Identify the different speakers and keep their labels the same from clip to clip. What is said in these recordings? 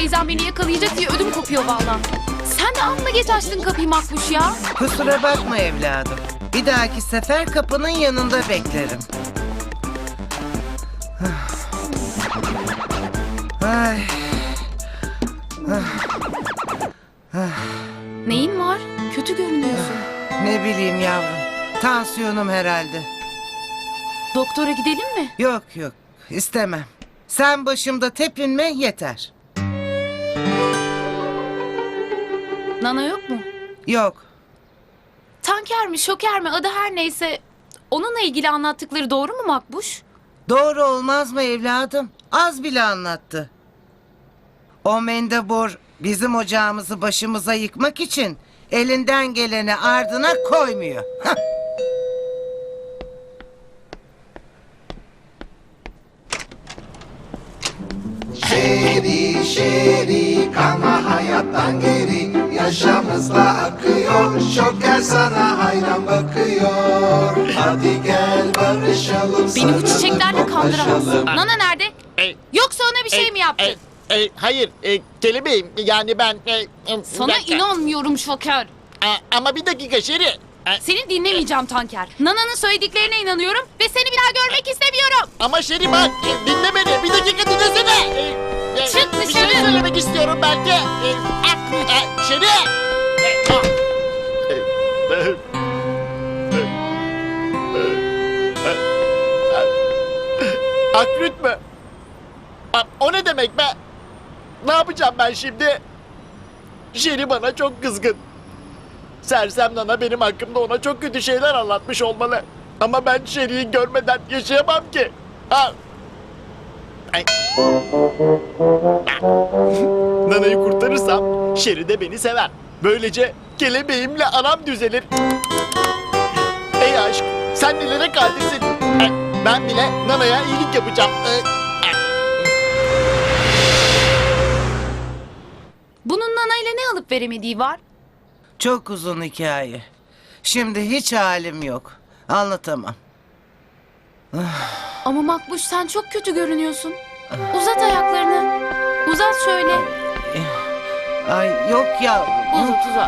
Speaker 1: teyzem beni yakalayacak diye ödüm kopuyor vallahi. Sen de amma geç açtın kapıyı Makbuş ya.
Speaker 2: Kusura bakma evladım. Bir dahaki sefer kapının yanında beklerim. Ay.
Speaker 1: Neyin var? Kötü görünüyorsun.
Speaker 2: Ne bileyim yavrum. Tansiyonum herhalde.
Speaker 1: Doktora gidelim mi?
Speaker 2: Yok yok istemem. Sen başımda tepinme yeter.
Speaker 1: Nana yok mu?
Speaker 2: Yok.
Speaker 1: Tanker mi, şoker mi, adı her neyse. Onunla ilgili anlattıkları doğru mu Makbuş?
Speaker 2: Doğru olmaz mı evladım? Az bile anlattı. O mendebur bizim ocağımızı başımıza yıkmak için elinden geleni ardına koymuyor. Hah.
Speaker 3: Şeri şeri kalma hayattan geri, yaşamızla akıyor, şoker sana hayran bakıyor. Hadi gel barışalım.
Speaker 1: Beni bu çiçeklerle
Speaker 3: sarılıp
Speaker 1: kandıramazsın.
Speaker 3: koklaşalım.
Speaker 1: Nana nerede? Yoksa ona bir şey mi yaptın?
Speaker 4: Hayır, kelebeğim. Yani ben...
Speaker 1: Sana
Speaker 4: bir dakika.
Speaker 1: inanmıyorum şoker.
Speaker 4: Ama bir dakika Şeri.
Speaker 1: Seni dinlemeyeceğim Tanker. Nana'nın söylediklerine inanıyorum ve seni bir daha görmek istemiyorum.
Speaker 4: Ama Şeri bak, dinle beni. Bir dakika dinlesene.
Speaker 1: Çık
Speaker 4: Bir şey
Speaker 1: dışarı.
Speaker 4: söylemek istiyorum belki. Şeri. Akrüt mü? O ne demek be? Ne yapacağım ben şimdi? Şeri bana çok kızgın. Sersem Nana benim hakkımda ona çok kötü şeyler anlatmış olmalı. Ama ben Şeri'yi görmeden yaşayamam ki. Ha. Ay. Nana'yı kurtarırsam Şeri de beni sever. Böylece kelebeğimle aram düzelir. Ey aşk, sen nelere kadirsin? Ben bile Nana'ya iyilik yapacağım.
Speaker 1: Bunun Nana ile ne alıp veremediği var?
Speaker 2: Çok uzun hikaye. Şimdi hiç halim yok. Anlatamam.
Speaker 1: Ama Makbuş sen çok kötü görünüyorsun. Uzat ayaklarını. Uzat şöyle.
Speaker 2: Ay yok ya.
Speaker 1: Uzat uzat.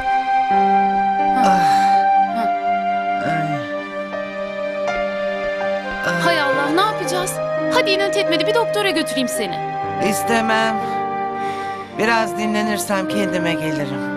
Speaker 1: Hay Allah ne yapacağız? Hadi inat etmedi bir doktora götüreyim seni.
Speaker 2: İstemem. Biraz dinlenirsem kendime gelirim.